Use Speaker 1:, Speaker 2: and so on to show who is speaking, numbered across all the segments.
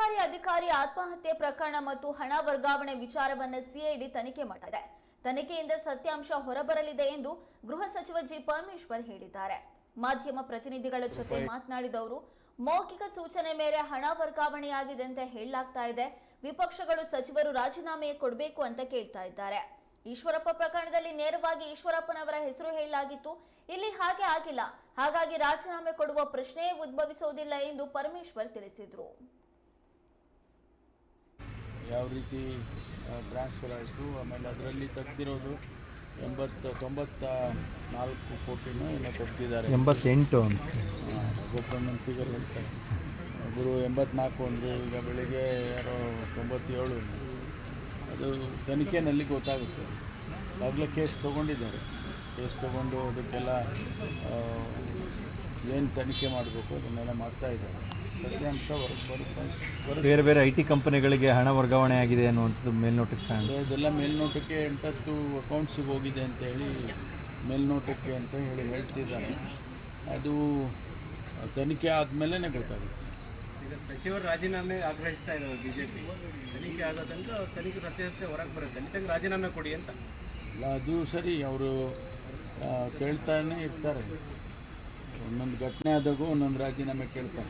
Speaker 1: ಸರ್ಕಾರಿ ಅಧಿಕಾರಿ ಆತ್ಮಹತ್ಯೆ ಪ್ರಕರಣ ಮತ್ತು ಹಣ ವರ್ಗಾವಣೆ ವಿಚಾರವನ್ನು ಸಿಐಡಿ ತನಿಖೆ ಮಾಡ್ತಾ ಇದೆ. ತನಿಖೆಯಿಂದ ಸತ್ಯಾಂಶ ಹೊರಬರಲಿದೆ ಎಂದು ಗೃಹ ಸಚಿವ ಜಿ ಪರಮೇಶ್ವರ್ ಹೇಳಿದ್ದಾರೆ. ಮಾಧ್ಯಮ ಪ್ರತಿನಿಧಿಗಳ ಜೊತೆ ಮಾತನಾಡಿದ ಅವರು, ಮೌಖಿಕ ಸೂಚನೆ ಮೇಲೆ ಹಣ ವರ್ಗಾವಣೆಯಾಗಿದೆ ಅಂತ ಹೇಳಲಾಗ್ತಾ ಇದೆ. ವಿಪಕ್ಷಗಳು ಸಚಿವರು ರಾಜೀನಾಮೆ ಕೊಡಬೇಕು ಅಂತ ಕೇಳ್ತಾ ಇದ್ದಾರೆ. ಈಶ್ವರಪ್ಪ ಪ್ರಕರಣದಲ್ಲಿ ನೇರವಾಗಿ ಈಶ್ವರಪ್ಪನವರ ಹೆಸರು ಹೇಳಲಾಗಿತ್ತು. ಇಲ್ಲಿ ಹಾಗೆ ಆಗಿಲ್ಲ. ಹಾಗಾಗಿ ರಾಜೀನಾಮೆ ಕೊಡುವ ಪ್ರಶ್ನೆಯೇ ಉದ್ಭವಿಸುವುದಿಲ್ಲ ಎಂದು ಪರಮೇಶ್ವರ್ ತಿಳಿಸಿದರು.
Speaker 2: ಯಾವ ರೀತಿ ಟ್ರಾನ್ಸ್ಫರ್ ಆಯಿತು, ಆಮೇಲೆ ಅದರಲ್ಲಿ ತೆಗೆದಿರೋದು 94 ಕೋಟಿನೂ ಏನೋ ತೆಗೆದಿದ್ದಾರೆ.
Speaker 3: 88
Speaker 2: ಒಬ್ಬೊಬ್ಬ ಫಿಗರ್ ಹೇಳ್ತಾರೆ. ಒಬ್ಬರು 84 ಅಂದರೆ ಈಗ ಬೆಳಿಗ್ಗೆ ಯಾರೋ 97. ಅದು ತನಿಖೆಯಲ್ಲಿ ಗೊತ್ತಾಗುತ್ತೆ. ಆಗಲೇ ಕೇಸ್ ತೊಗೊಂಡಿದ್ದಾರೆ. ಕೇಸ್ ತೊಗೊಂಡು ಅದಕ್ಕೆಲ್ಲ ಏನು ತನಿಖೆ ಮಾಡಬೇಕು ಅದನ್ನೆಲ್ಲ ಮಾಡ್ತಾಯಿದ್ದಾರೆ. ಸತ್ಯಾಂಶ
Speaker 3: ಬೇರೆ ಬೇರೆ IT ಕಂಪನಿಗಳಿಗೆ ಹಣ ವರ್ಗಾವಣೆ ಆಗಿದೆ ಅನ್ನುವಂಥದ್ದು ಮೇಲ್ನೋಟಕ್ಕೆ ಕಾಣಿದೆ.
Speaker 2: ಅದೆಲ್ಲ ಮೇಲ್ನೋಟಕ್ಕೆ 8 ಅಕೌಂಟ್ಸಿಗೆ ಹೋಗಿದೆ ಅಂತೇಳಿ ಮೇಲ್ನೋಟಕ್ಕೆ ಅಂತ ಹೇಳ್ತಿದ್ದಾರೆ. ಅದು ತನಿಖೆ ಆದಮೇಲೆ ಗೊತ್ತಾಗುತ್ತೆ.
Speaker 4: ಈಗ ಸಚಿವರು ರಾಜೀನಾಮೆ ಆಗ್ರಹಿಸ್ತಾ ಇದ್ದಾರೆ BJP. ತನಿಖೆ ಆಗೋ ತನಕ ತನಿಖೆ ಸತ್ಯಾಸತ್ಯ ಹೊರಗೆ ಬರುತ್ತೆ. ಅಲ್ಲಿ ರಾಜೀನಾಮೆ ಕೊಡಿ ಅಂತ.
Speaker 2: ಅದು ಸರಿ, ಅವರು ಕೇಳ್ತಾನೆ ಇರ್ತಾರೆ. ಒಂದೊಂದು ಘಟನೆ ಆದಾಗೂ ಒಂದೊಂದು ರಾಜೀನಾಮೆ ಕೇಳ್ತಾರೆ.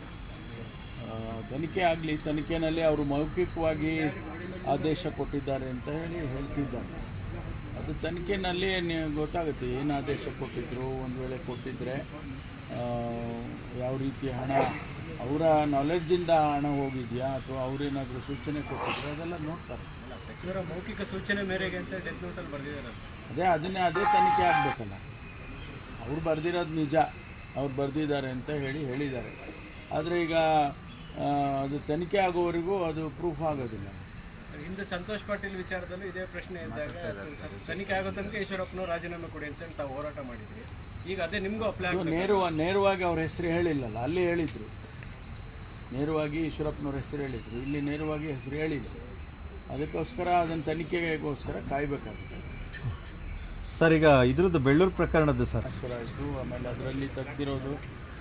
Speaker 2: ತನಿಖೆ ಆಗಲಿ, ತನಿಖೆಯಲ್ಲಿ ಅವರು ಮೌಖಿಕವಾಗಿ ಆದೇಶ ಕೊಟ್ಟಿದ್ದಾರೆ ಅಂತ ಹೇಳ್ತಿದ್ದಾರೆ. ಅದು ತನಿಖೆಯಲ್ಲಿ ಗೊತ್ತಾಗುತ್ತೆ ಏನು ಆದೇಶ ಕೊಟ್ಟಿದ್ರು. ಒಂದು ವೇಳೆ ಕೊಟ್ಟಿದ್ದರೆ ಯಾವ ರೀತಿ ಹಣ ಅವರ ನಾಲೆಡ್ಜಿಂದ ಹಣ ಹೋಗಿದೆಯಾ ಅಥವಾ ಅವರೇನಾದರೂ ಸೂಚನೆ ಕೊಟ್ಟಿದ್ರೆ ಅದೆಲ್ಲ ನೋಡ್ತಾರೆ.
Speaker 4: ಸಚಿವರ ಮೌಖಿಕ ಸೂಚನೆ ಮೇರೆಗೆ ಅಂತ ಡೆತ್ ನೋಟಲ್ಲಿ ಬರೆದಿದ್ದಾರೆ.
Speaker 2: ಅದೇ ತನಿಖೆ ಆಗಬೇಕಲ್ಲ. ಅವ್ರು ಬರೆದಿರೋದು ನಿಜ, ಅವ್ರು ಬರೆದಿದ್ದಾರೆ ಅಂತ ಹೇಳಿದ್ದಾರೆ. ಆದರೆ ಈಗ ಅದು ತನಿಖೆ ಆಗೋವರೆಗೂ ಅದು ಪ್ರೂಫ್ ಆಗೋದಿಲ್ಲ.
Speaker 4: ಹಿಂದೆ ಸಂತೋಷ್ ಪಾಟೀಲ್ ವಿಚಾರದಲ್ಲೂ ಇದೇ ಪ್ರಶ್ನೆ ಇದ್ದಾಗ ತನಿಖೆ ಆಗೋ ತನಕ ಈಶ್ವರಪ್ಪನವರು ರಾಜೀನಾಮೆ ಕೊಡಿ ಅಂತ ತಾವು ಹೋರಾಟ ಮಾಡಿದ್ರಿ. ಈಗ ಅದೇ ನಿಮಗೂ ಅಪ್ಲೈ
Speaker 2: ನೇರವಾಗಿ ಅವ್ರ ಹೆಸರು ಹೇಳಿಲ್ಲಲ್ಲ. ಅಲ್ಲಿ ಹೇಳಿದರು, ನೇರವಾಗಿ ಈಶ್ವರಪ್ಪನವ್ರ ಹೆಸರು ಹೇಳಿದರು. ಇಲ್ಲಿ ನೇರವಾಗಿ ಹೆಸರು ಹೇಳಿಲ್ಲ. ಅದಕ್ಕೋಸ್ಕರ ಅದನ್ನು ತನಿಖೆಗೋಸ್ಕರ ಕಾಯಬೇಕಾಗುತ್ತೆ.
Speaker 3: ಸರ್, ಈಗ ಇದ್ರದ್ದು ಬೆಳ್ಳೂರು ಪ್ರಕರಣದ್ದು ಸರ್
Speaker 2: ಟ್ರಾನ್ಸ್ಫರ್ ಆಯಿತು. ಆಮೇಲೆ ಅದರಲ್ಲಿ ತೆಗೆದಿರೋದು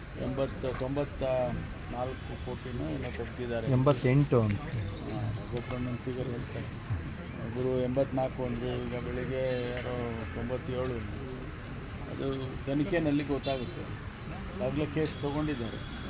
Speaker 2: 94 ಕೋಟಿನೂ ಏನೋ ತೆಗೆದಿದ್ದಾರೆ.
Speaker 3: 88
Speaker 2: ಒಬ್ಬೊಬ್ಬ ಫಿಗರ್ ಹೇಳ್ತಾರೆ. ಒಬ್ಬರು 84 ಅಂದರೆ ಈಗ ಬೆಳಿಗ್ಗೆ ಯಾರೋ 97. ಅದು ತನಿಖೆಯಲ್ಲಿ ಗೊತ್ತಾಗುತ್ತೆ. ಆಗಲೇ ಕೇಸ್ ತೊಗೊಂಡಿದ್ದಾರೆ.